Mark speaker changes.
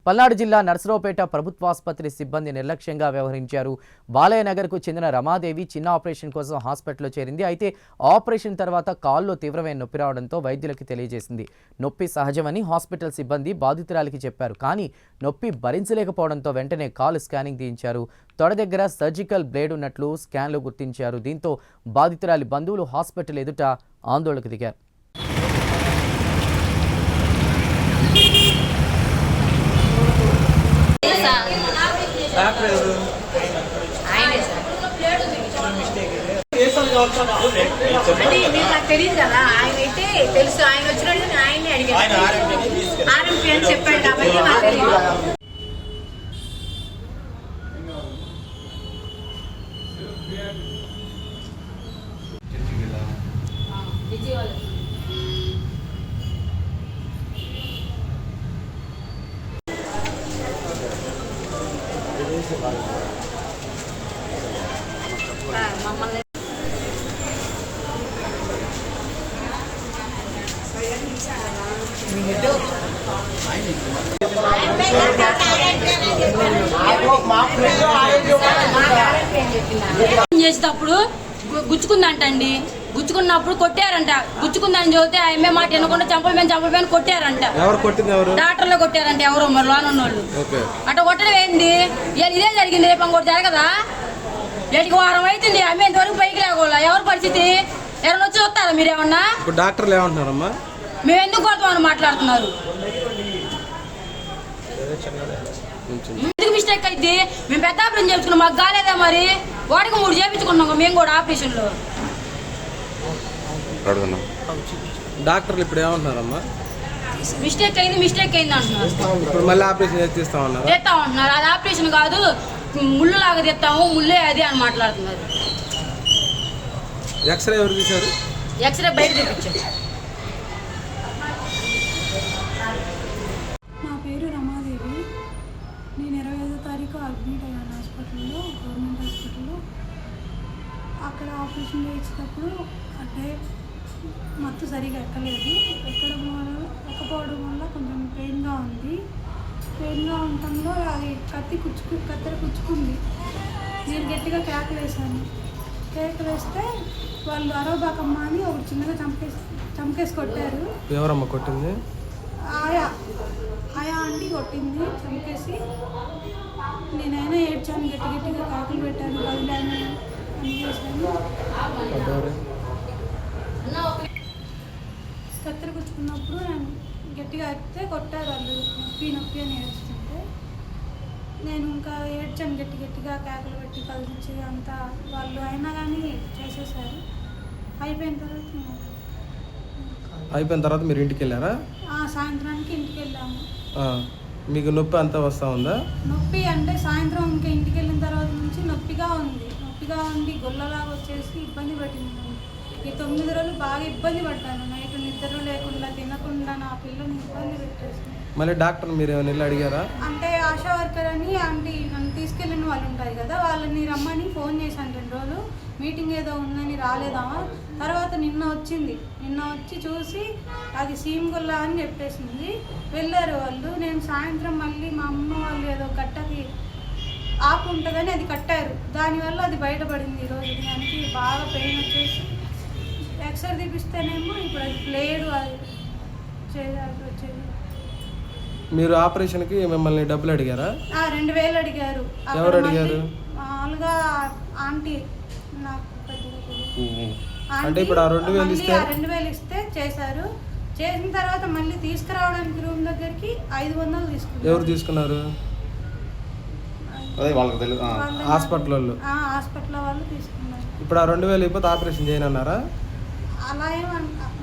Speaker 1: పల్నాడు జిల్లా నర్సరావుపేట ప్రభుత్వాసుపత్రి సిబ్బంది నిర్లక్ష్యంగా వ్యవహరించారు. బాలయ్య నగర్కు చెందిన రమాదేవి చిన్న ఆపరేషన్ కోసం హాస్పిటల్లో చేరింది. అయితే ఆపరేషన్ తర్వాత కాల్లో తీవ్రమైన నొప్పి రావడంతో వైద్యులకు తెలియజేసింది. నొప్పి సహజమని హాస్పిటల్ సిబ్బంది బాధితురాలికి చెప్పారు. కానీ నొప్పి భరించలేకపోవడంతో వెంటనే కాలు స్కానింగ్ తీయించారు. తొడ దగ్గర సర్జికల్ బ్లేడ్ ఉన్నట్లు స్కాన్లో గుర్తించారు. దీంతో బాధితురాలి బంధువులు హాస్పిటల్ ఎదుట ఆందోళనకు దిగారు.
Speaker 2: తెలియదు కదా, ఆయన అయితే తెలుసు. ఆయన వచ్చినట్టు ఆయన్ని అడిగారు. ఆర్ఎంపీ అని చెప్పాడు కాబట్టి నాకు తెలియదు. మమ్మల్ని
Speaker 3: చేసేటప్పుడు గుచ్చుకుందంటండి. గుచ్చుకున్నప్పుడు కొట్టారంట. గుచ్చుకుందని చెబితే ఆమె మాట వినకుండా చంపలమని కొట్టారంట. డాక్టర్లో కొట్టారంట. ఎవరో మరి లోనున్నోళ్ళు అట్లా కొట్టడం ఏంది? ఇదే జరిగింది. రేపు ఇంకోటి జరగదా? ఏటికి వారం అవుతుంది. ఆమె ఇంతవరకు పైకి లేకుండా ఎవరి పరిస్థితి? ఎవరైనా వచ్చి చూస్తారా మీరేమన్నా?
Speaker 4: డాక్టర్లు ఏమంటున్నారమ్మా?
Speaker 3: మేము ఎందుకు కొడతామని మాట్లాడుతున్నారు. ఎందుకు మిస్టేక్ అయితే మేము పెద్ద ఆపరేషన్ చేయించుకున్నాం. మాకు కాలేదా మరి? వాడికి 3 చేయించుకున్నాం మేము కూడా ఆపరేషన్లో.
Speaker 4: డాక్టర్లు ఇప్పుడు ఏమంటున్నారమ్మా?
Speaker 3: మిస్టేక్ అయింది అంటున్నారు.
Speaker 4: ఇప్పుడు మళ్ళీ ఆపరేషన్
Speaker 3: చేస్తామంటున్నారు. అది ఆపరేషన్ కాదు, ముళ్ళు లాగా తెస్తాము, ముళ్ళే అది అని మాట్లాడుతున్నారు.
Speaker 4: ఎక్స్రే ఎవరు తీశారు?
Speaker 3: ఎక్స్రే బయట చూపించారు.
Speaker 5: నా పేరు రమాదేవి. నేను 25వ తారీఖు అడ్మిట్ అయ్యాను హాస్పిటల్లో, గవర్నమెంట్ హాస్పిటల్లో. అక్కడ ఆపరేషన్ చేసేటప్పుడు అంటే మత్తు సరిగా ఎక్కలేదు. ఎక్కపోవడం వల్ల కొంచెం పెయిన్గా ఉంది. పెయిన్గా ఉండటంలో అది కత్తెర కుచ్చుకుంది. నేను గట్టిగా కేకలేసాను. కేకలేస్తే వాళ్ళు అరవబాకమ్మ అని ఒక చిన్నగా చంపేసి కొట్టారు.
Speaker 4: ఎవరమ్మ కొట్టింది?
Speaker 5: ఆయా ఆంటీ కొట్టింది చంపేసి. నేనైనా ఏడ్చాను, గట్టిగా కాకులు పెట్టాను, కదిలాను అని చేశాను. కత్తెర కుచ్చుకున్నప్పుడు నేను గట్టిగా అరిస్తే కొట్టారు వాళ్ళు. నొప్పి అని ఏడుస్తుంటే నేను ఇంకా ఏడ్చాను, గట్టిగా కేకలు పెట్టి కలిసి అంతా. వాళ్ళు అయినా కానీ చేసేసారు. అయిపోయిన
Speaker 4: తర్వాత మీరు ఇంటికి వెళ్ళారా?
Speaker 5: సాయంత్రానికి ఇంటికి వెళ్ళాము.
Speaker 4: మీకు నొప్పి అంతా వస్తూ ఉందా?
Speaker 5: నొప్పి అంటే సాయంత్రం ఇంకా ఇంటికి వెళ్ళిన తర్వాత నుంచి నొప్పిగా ఉండి గొల్లలాగా వచ్చేసి ఇబ్బంది పెట్టింది. ఈ 9 రోజులు బాగా ఇబ్బంది పడ్డాను. నైట్ నిద్ర లేకుండా తినకుండా నా పిల్లని ఇబ్బంది పెట్టేసింది.
Speaker 4: మళ్ళీ డాక్టర్ మీరు ఏమైనా వెళ్ళి అడిగారా?
Speaker 5: అంటే ఆశా వర్కర్ అని ఆంటీ నన్ను తీసుకెళ్ళిన వాళ్ళు ఉంటారు కదా, వాళ్ళని రమ్మని ఫోన్ చేశాను 2 రోజులు. మీటింగ్ ఏదో ఉందని రాలేదామా. తర్వాత నిన్న వచ్చి చూసి అది సీమ్గుల్లా అని చెప్పేసింది. వెళ్ళారు వాళ్ళు. నేను సాయంత్రం మళ్ళీ మా అమ్మ వాళ్ళు ఏదో గట్టకి ఆకు ఉంటుందని అది కట్టారు. దానివల్ల అది బయటపడింది. ఈరోజు దానికి బాగా పెయిన్ వచ్చేసి ఎక్స్రే తీపిస్తేనేమో ఇప్పుడు అది బ్లేడ్ అది వచ్చేది.
Speaker 4: మీరు ఆపరేషన్కి మిమ్మల్ని డబ్బులు అడిగారా?
Speaker 5: 2000 అడిగారు.
Speaker 4: ఎవరు అడిగారు?
Speaker 5: మామూలుగా ఆంటీ. నాకు
Speaker 4: అంటే ఇప్పుడు
Speaker 5: 2000 ఇస్తే చేశారు. చేసిన తర్వాత మళ్ళీ తీసుకురావడానికి రూమ్ దగ్గరికి 500 తీసుకున్నారు.
Speaker 4: ఎవరు తీసుకున్నారు? హాస్పిటల్ వాళ్ళు
Speaker 5: తీసుకున్నారు.
Speaker 4: ఇప్పుడు 2000 అయిపోతే ఆపరేషన్ చేయనన్నారా?
Speaker 5: అలా ఏమన్నా